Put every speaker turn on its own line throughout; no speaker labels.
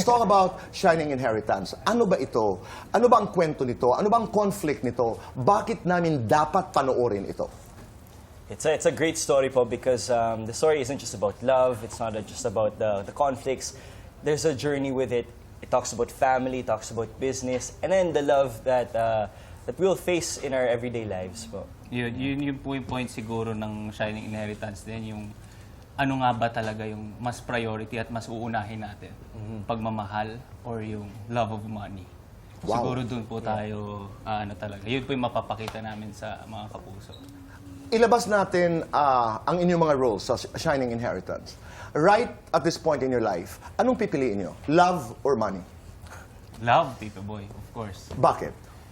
talk about Shining Inheritance. Ano ba ito? Ano ba ang kwento nito? Ano ba ang conflict nito? Bakit namin dapat panoorin ito?
It's a great story po because the story isn't just about love. It's not just about the conflicts. There's a journey with it. It talks about family, it talks about business, and then the love that we'll face in our everyday lives po.
Yun po yung point siguro ng Shining Inheritance din, yung ano nga ba talaga yung mas priority at mas uunahin natin? Pagmamahal or yung love of money?
Wow.
Siguro dun po tayo, ano talaga, yun po yung mapapakita namin sa mga kapuso.
Ilabas natin ang inyong mga roles sa Shining Inheritance. Right at this point in your life, anong pipiliin nyo? Love or money?
Love, Tito Boy, of course.
Bakit?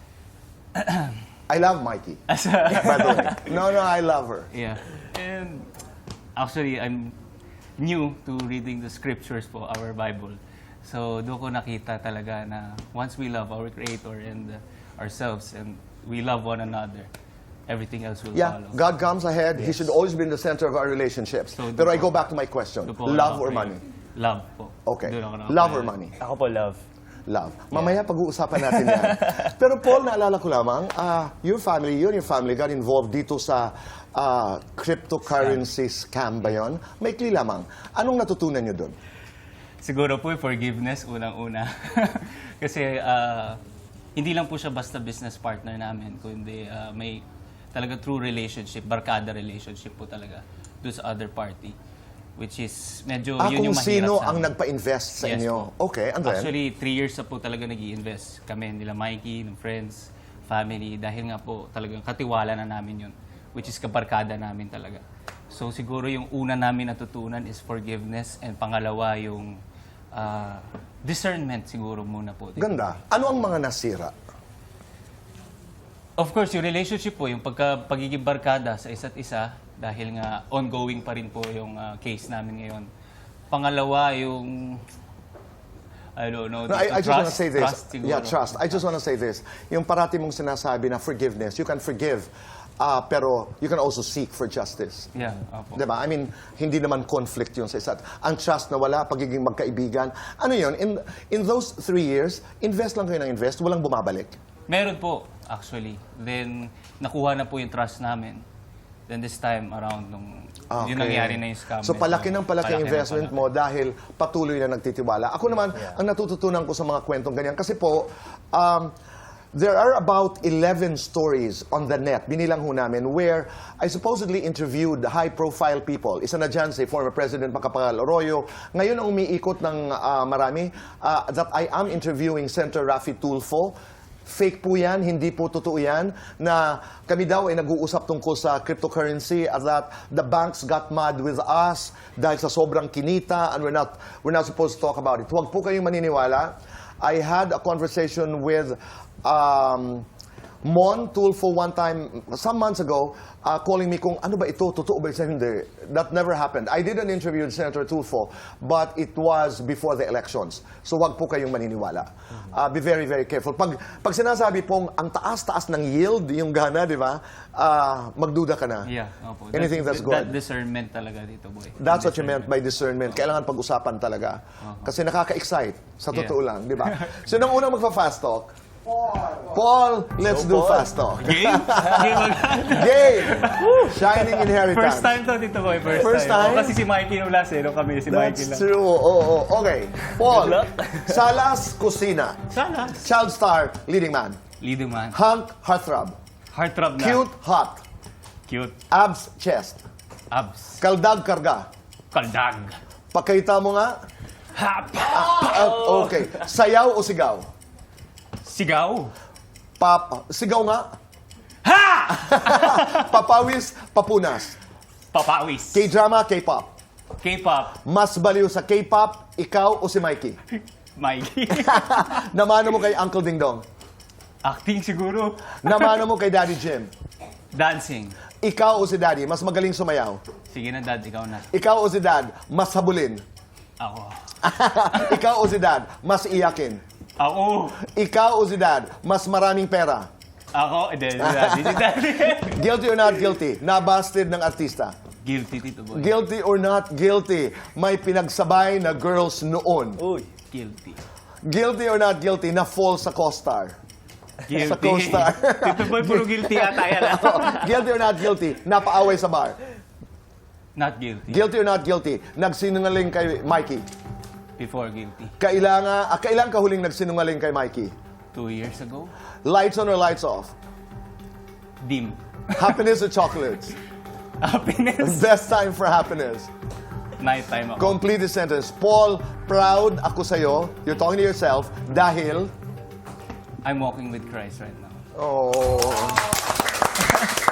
I love Mikey. By the way. No, I love her.
Yeah. And actually, I'm new to reading the scriptures po, our Bible. So, doon ko nakita talaga na once we love our Creator and ourselves and we love one another, everything else will
Yeah,
follow.
God comes ahead. He should always be in the center of our relationships.
So,
Pero I go back to my question.
Doon po
Love
ako
or money?
Love po.
Okay.
Doon ako
Love or
nakapayag.
money?
Ako po, love.
Love. Mamaya pag-uusapan natin yan. Pero Paul, naalala ko lamang, you and your family got involved dito sa cryptocurrency scam ba yun? Maikli lamang. Anong natutunan nyo doon?
Siguro po yung forgiveness, unang-una. Kasi hindi lang po siya basta business partner namin, kundi may talaga true relationship, barkada relationship po talaga doon sa other party. Which is, medyo yun yung
Kung
mahirap
sino
sa
ang
amin.
nagpa-invest sa
Yes
inyo?
po.
Okay, and then?
Actually, 3 years na po talaga nag-i-invest kami, nila Mikey, ng friends, family, dahil nga po talagang katiwala na namin yun, which is kabarkada namin talaga. So siguro yung una namin natutunan is forgiveness, and pangalawa yung discernment siguro muna po.
Ganda. Ano ang mga nasira?
Of course, yung relationship po, yung pagiging barkada sa isa't isa, dahil nga ongoing pa rin po yung case namin ngayon. Pangalawa, yung I don't know.
No, I just want to say this.
Trust siguro.
Yeah, trust. I just want to say this. Yung parati mong sinasabi na forgiveness, you can forgive, pero you can also seek for justice.
Yeah, opo.
Diba? I mean, hindi naman conflict yun sa isa't. Ang trust na wala, pagiging magkaibigan. Ano yun? In those 3 years, invest lang kayo ng invest, walang bumabalik.
Meron po, actually. Then, nakuha na po yung trust namin. Then this time around, nung yun nangyari na yung scam.
So palaki ng palaki ang investment
palaki.
mo dahil patuloy na nagtitiwala. Ako naman, ang natututunan ko sa mga kwentong ganyan, kasi po, there are about 11 stories on the net, binilang ho namin, where I supposedly interviewed high-profile people. Isa na dyan si former President Macapagal Arroyo. Ngayon ang umiikot ng marami, that I am interviewing Senator Raffy Tulfo. Fake po yan, hindi po totoo yan, na kami daw ay nag-uusap tungkol sa cryptocurrency at that the banks got mad with us dahil sa sobrang kinita and we're not supposed to talk about it. Huwag po kayong maniniwala. I had a conversation with Mon Tulfo one time, some months ago, calling me kung ano ba ito, totoo ba ito? Hindi. That never happened. I did an interview with Senator Tulfo, but it was before the elections. So wag po kayong maniniwala. Be very, very careful. Pag sinasabi pong ang taas-taas ng yield, yung gana, di ba, magduda ka na.
Yeah, opo.
Anything that's good.
That discernment talaga dito, boy.
That's what you meant by discernment. Kailangan pag-usapan talaga. Kasi nakaka-excite. Sa totoo lang, di ba? So, nung unang magpa-fast talk, Paul, let's do fast talk.
Game? Game agad.
Game! Shining Inheritance.
First time to, Tito Boy.
First time?
O, kasi si Mikey nung last nung kami si Mikey
That's
lang.
true. Oo. Okay. Paul,
Good luck.
Salas Kusina.
Sana.
Child star, leading man.
Leading man.
Hunk, heartthrob.
Heartthrob na.
Cute, hot.
Cute.
Abs, chest.
Abs.
Kaldag, karga.
Kaldag.
Pakita mo nga.
Hap.
Okay. Sayaw o sigaw?
Sigaw.
Sigaw nga.
Ha!
Papawis, papunas.
Papawis.
K-drama, K-pop.
K-pop.
Mas baliw sa K-pop, ikaw o si Mikey?
Mikey.
Namano mo kay Uncle Ding Dong?
Acting siguro.
Namano mo kay Daddy Jim?
Dancing.
Ikaw o si Daddy, mas magaling sumayaw?
Sige na, Dad. Ikaw na.
Ikaw o si Dad, mas habulin?
Ako.
Ikaw o si Dad, mas iyakin?
Ako.
Ikaw o si Dad, mas maraming pera?
Ako. Daddy.
Guilty or not guilty? Nabasted ng artista?
Guilty, Tito Boy.
Guilty or not guilty? May pinagsabay na girls noon?
Uy.
Guilty.
Guilty or not guilty na fall sa co-star?
Guilty.
Sa co-star.
Tito Boy, puro guilty ata yan.
Guilty or not guilty? Napaaway sa bar.
Not guilty.
Guilty or not guilty? Nagsinungaling kay Mikey.
Before guilty.
Kailan ka huling nagsinungaling kay Mikey?
2 years ago.
Lights on or lights off?
Dim.
Happiness or chocolates?
Happiness.
Best time for happiness.
Nighttime ako.
Complete the sentence. Paul, proud ako sa'yo. You're talking to yourself dahil...
I'm walking with Christ right now.
Oh.